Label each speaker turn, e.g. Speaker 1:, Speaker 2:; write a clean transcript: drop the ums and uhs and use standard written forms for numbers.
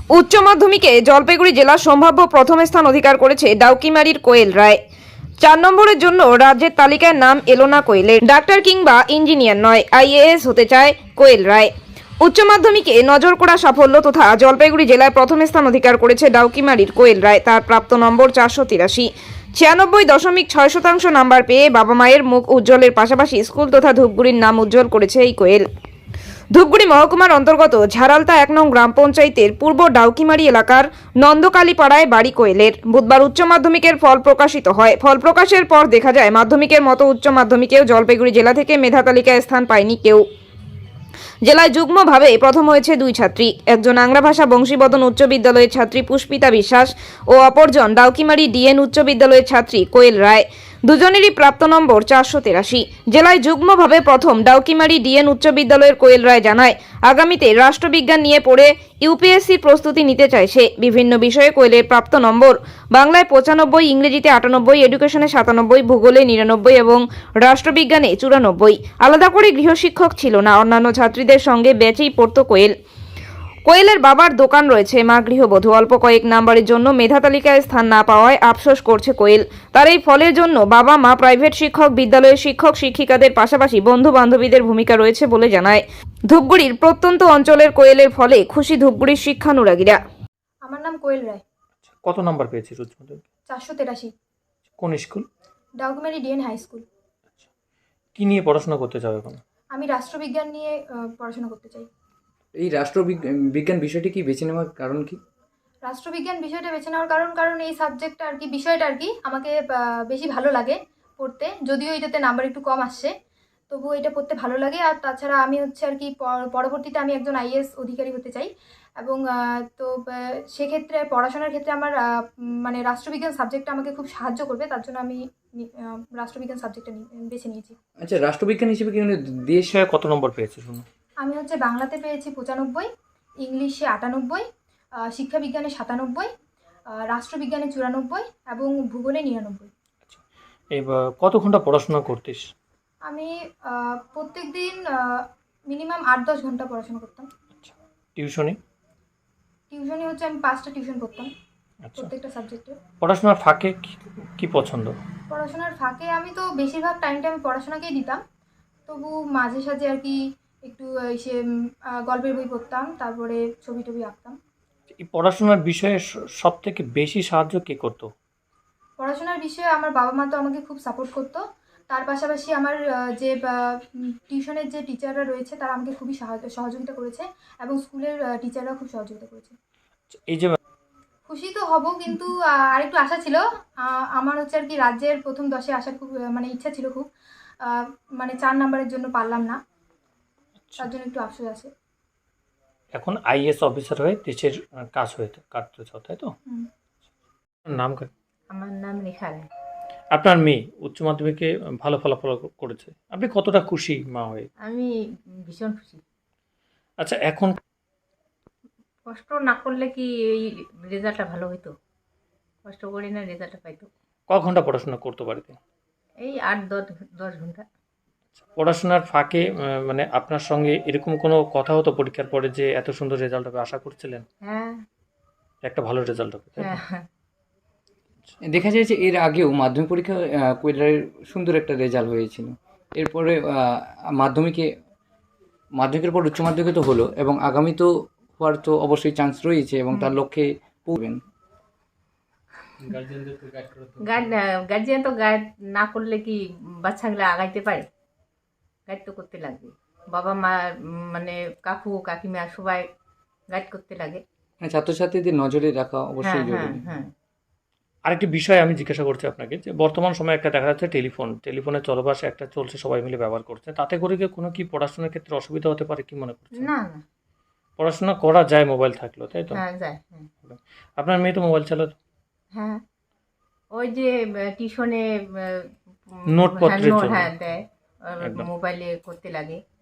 Speaker 1: উচ্চ মাধ্যমিকে জলপাইগুড়ি জেলা সম্ভাব্য প্রথম স্থান অধিকার করেছে ডাউকিমারির কোয়েল রায়। 4 নম্বরের জন্য রাজ্যের তালিকায় নাম এলো না কোয়েলের। ডাক্তার কিংবা ইঞ্জিনিয়ার নয়, আইএএস হতে চায় কোয়েল রায়। উচ্চ মাধ্যমিকে নজর করা সাফল্য তথা জলপাইগুড়ি জেলায় প্রথম স্থান অধিকার করেছে ডাউকিমারির কোয়েল রায়। তার প্রাপ্ত নম্বর 483। 96.6% নাম্বার পেয়ে বাবা মায়ের মুখ উজ্জ্বলের পাশাপাশি স্কুল তথা ধূপগুড়ির নাম উজ্জ্বল করেছে এই কোয়েল। ধূপগুড়ি মহকুমার অন্তর্গত ঝাড়ালতা 1 নং গ্রাম পঞ্চায়েতের পূর্ব ডাউকিমারি এলাকার নন্দকালীপাড়ায় বাড়ি কোয়েলের। বুধবার উচ্চ মাধ্যমিকের ফল প্রকাশিত হয়। ফল প্রকাশের পর দেখা যায় মাধ্যমিকের মতো উচ্চ মাধ্যমিকেও জলপাইগুড়ি জেলা থেকে মেধা তালিকায় স্থান পায়নি কেউ। জেলায় যুগ্মভাবে প্রথম হয়েছে 2 ছাত্রী, একজন আংরা ভাষা বংশীবদন উচ্চ বিদ্যালয়ের ছাত্রী পুষ্পিতা বিশ্বাস ও অপরজন ডাউকিমারি ডিএন উচ্চ বিদ্যালয়ের ছাত্রী কোয়েল রায়। দুজনেরই প্রাপ্ত নম্বর 483। জেলায় যুগ্মভাবে প্রথম ডাউকিমারি ডিএন উচ্চ বিদ্যালয়ের কোয়েল রায় জানায়, আগামীতে রাষ্ট্রবিজ্ঞান নিয়ে পড়ে ইউপিএসসির প্রস্তুতি নিতে চায় সে। বিভিন্ন বিষয়ে কোয়েলের প্রাপ্ত নম্বর বাংলায় 95, ইংরেজিতে 98, এডুকেশনে 97, ভূগোলে 99 এবং রাষ্ট্রবিজ্ঞানে 94। আলাদা করে গৃহশিক্ষক ছিল না, অন্যান্য ছাত্রীদের সঙ্গে ব্যাচেই পড়তো কোয়েল। কোয়েলের বাবার দোকান রয়েছে, মা গৃহবধূ। অল্প কয়েক নাম্বারের জন্য মেধা তালিকায় স্থান না পাওয়ায় আফসোস করছে কোয়েল। তার এই ফলের জন্য বাবা মা, প্রাইভেট শিক্ষক, বিদ্যালয়ের শিক্ষক শিক্ষিকাদের পাশাপাশি বন্ধু বান্ধবীদের ভূমিকা রয়েছে বলে জানায়। ধূপগুড়ির প্রত্যন্ত অঞ্চলের কোয়েলের ফলে খুশি ধূপগুড়ির শিক্ষানুরাগীরা।
Speaker 2: আমার নাম কোয়েল রায়।
Speaker 3: কত নাম্বার পেয়েছিস উচ্চ মাধ্যমিকে?
Speaker 2: 483।
Speaker 3: কোন school?
Speaker 2: Daukimari D N high school.
Speaker 3: কি নিয়ে পড়াশোনা করতে চাও এখন?
Speaker 2: আমি রাষ্ট্রবিজ্ঞান নিয়ে পড়াশোনা করতে চাই।
Speaker 4: এই বিজ্ঞান বিষয়টি কি বেছে নেওয়ার কারণ কি?
Speaker 2: রাষ্ট্রবিজ্ঞান বিষয়টা বেছে নেওয়ার কারণ এই সাবজেক্টটা আর কি, বিষয়টা আর কি আমাকে বেশি ভালো লাগে পড়তে। যদিও এটাতে নাম্বার একটু কম আসছে, তবুও এটা পড়তে ভালো লাগে। আর তাছাড়া আমি হচ্ছে আর কি পরবর্তীতে আমি একজন আইএএস অধিকারী হতে চাই। এবং তো সেক্ষেত্রে পড়াশোনার ক্ষেত্রে আমার মানে রাষ্ট্রবিজ্ঞান সাবজেক্টটা আমাকে খুব সাহায্য করবে। তার জন্য আমি রাষ্ট্রবিজ্ঞান সাবজেক্টটা বেছে নিয়েছি।
Speaker 4: আচ্ছা, রাষ্ট্রবিজ্ঞান হিসেবে কি দেশ
Speaker 3: বিষয়ে কত নম্বর পেয়েছিস শুনো?
Speaker 2: আমি হচ্ছে বাংলাতে পেয়েছি 95, ইংলিশে 98, শিক্ষাবিজ্ঞানে 97, রাষ্ট্রবিজ্ঞানে 94 এবং ভূগোলে 99।
Speaker 3: আচ্ছা, এবার কত ঘন্টা পড়াশোনা করতিস?
Speaker 2: আমি প্রত্যেক দিন মিনিমাম 8-10 ঘন্টা পড়াশোনা করতাম।
Speaker 3: আচ্ছা, টিউশনি
Speaker 2: হচ্ছে আমি 5টা টিউশন করতাম
Speaker 3: আচ্ছা,
Speaker 2: প্রত্যেকটা সাবজেক্টে।
Speaker 3: পড়াশোনার ফাঁকে কি পছন্দ?
Speaker 2: পড়াশোনার ফাঁকে আমি তো বেশিরভাগ টাইমটা আমি পড়াশোনাকেই দিতাম। তবু মাঝে সাঝে আর কি একটু এসে গল্পের বই পড়তাম, তারপরে ছবি টবি আঁকতাম।
Speaker 3: এই পড়াশোনার বিষয়ে সব থেকে বেশি সাহায্য কে করতো?
Speaker 2: পড়াশোনার বিষয়ে আমার বাবা মা তো আমাকে খুব সাপোর্ট করতো। তার পাশাপাশি আমার যে টিউশনের যে টিচাররা রয়েছে তারা আমাকে খুবই সহযোগিতা করেছে এবং স্কুলের টিচাররা খুব সহযোগিতা করেছে।
Speaker 3: এই যে
Speaker 2: খুশি তো হব, কিন্তু আরেকটু আশা ছিল। আমার হচ্ছে আর কি রাজ্যের প্রথম 10-এ আসার খুব মানে ইচ্ছা ছিল খুব। মানে 4 নাম্বারের জন্য পারলাম না, তার জন্য একটু আফসোস আছে।
Speaker 3: এখন আইএস অফিসার হয়ে দেশের কাজ কাটতে চাও, তাই তো? নাম?
Speaker 5: আমার নাম রেখা রায়।
Speaker 3: আপনার মেয়ে উচ্চ মাধ্যমিকে ভালো ফলাফল করেছে, আপনি কতটা খুশি মা হয়ে?
Speaker 5: আমি ভীষণ খুশি।
Speaker 3: আচ্ছা, এখন
Speaker 5: কষ্ট না করলে কি এই রেজাল্টটা ভালো হইতো? কষ্ট করি না, রেজাল্টটা পাইতো।
Speaker 3: ক ঘন্টা পড়াশোনা করতে বাড়িতে?
Speaker 5: এই 8-10 ঘন্টা।
Speaker 3: পড়াশোনার ফাঁকে মানে আপনার সঙ্গে এরকম কোনো কথা হতো পরীক্ষার পরে যে এত সুন্দর রেজাল্ট হবে, আশা করছিলেন
Speaker 5: হ্যাঁ
Speaker 3: একটা ভালো রেজাল্ট হবে, তাই তো?
Speaker 5: হ্যাঁ।
Speaker 4: দেখা যায় যে এর আগেও মাধ্যমিক পরীক্ষা কোয়েলের সুন্দর একটা রেজাল্ট হয়েছিল। এরপরে মাধ্যমিকের পর উচ্চ মাধ্যমিকে তো হলো, এবং আগামী তো হওয়ার তো অবশ্যই চান্স রয়েছে, এবং তার লক্ষ্যে পড়বেন।
Speaker 5: গার্জিয়ান তো গাইড না করলে কি বাচ্চাগুলো আগাইতে পারে? গাইড তো করতে লাগবে। বাবা মা মানে কাকু কাকিমা সবাই গাইড করতে লাগে।
Speaker 4: ছাত্রছাত্রীদের নজরে রাখা
Speaker 5: হ্যাঁ
Speaker 4: অবশ্যই
Speaker 5: হ্যাঁ
Speaker 4: জরুরি।
Speaker 5: হ্যাঁ।
Speaker 3: আরেকটি বিষয় আমি জিজ্ঞাসা করছি আপনাকে, যে বর্তমান সময়ে একটা দেখা যাচ্ছে টেলিফোনের চলবাস একটা চলছে, সবাই মিলে ব্যবহার করছে, তাতে করে কি কোনো কি পড়াশোনার ক্ষেত্রে অসুবিধা হতে পারে, কি মনে করছেন?
Speaker 5: না না।
Speaker 3: পড়াশোনা করা যায় মোবাইল থাকলেও, তাই তো?
Speaker 5: হ্যাঁ যায়। হ্যাঁ
Speaker 3: আপনার মেয়ে তো মোবাইল চালাতো?
Speaker 5: হ্যাঁ, ওই যে টিউশনে
Speaker 3: নোটপত্রের জন্য।
Speaker 5: হ্যাঁ দেয়,
Speaker 3: একদম।
Speaker 5: মোবাইলে করতে লাগে।